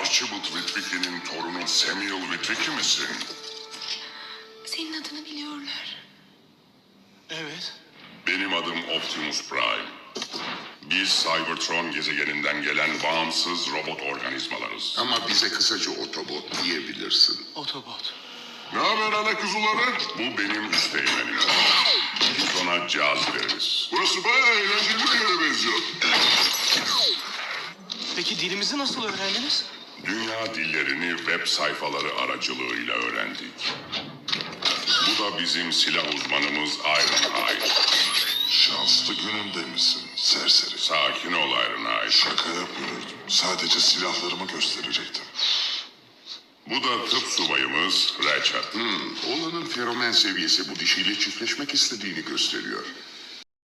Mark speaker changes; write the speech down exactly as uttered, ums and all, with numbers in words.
Speaker 1: Archibald Witwicky'nin torunu Samuel Witwicky misin?
Speaker 2: Senin adını biliyorlar.
Speaker 3: Evet.
Speaker 1: Benim adım Optimus Prime. Biz Cybertron gezegeninden gelen bağımsız robot organizmalarız.
Speaker 4: Ama bize kısaca Autobot diyebilirsin.
Speaker 3: Otobot.
Speaker 1: Ne haber ana kuzuları? Bu benim üsteğmenim. Biz ona caz deriz. Burası bayağı eğlenceli bir yere benziyor.
Speaker 3: Peki dilimizi nasıl öğrendiniz?
Speaker 1: Dünya dillerini web sayfaları aracılığıyla öğrendik. Bu da bizim silah uzmanımız Ironhide.
Speaker 5: Şanslı gününde misin serseri?
Speaker 1: Sakin ol Ironhide.
Speaker 5: Şaka yapıyordum. Sadece silahlarımı gösterecektim.
Speaker 1: Bu da tıp subayımız Ratchet.
Speaker 4: Hmm, oğlanın feromen seviyesi bu dişiyle çiftleşmek istediğini gösteriyor.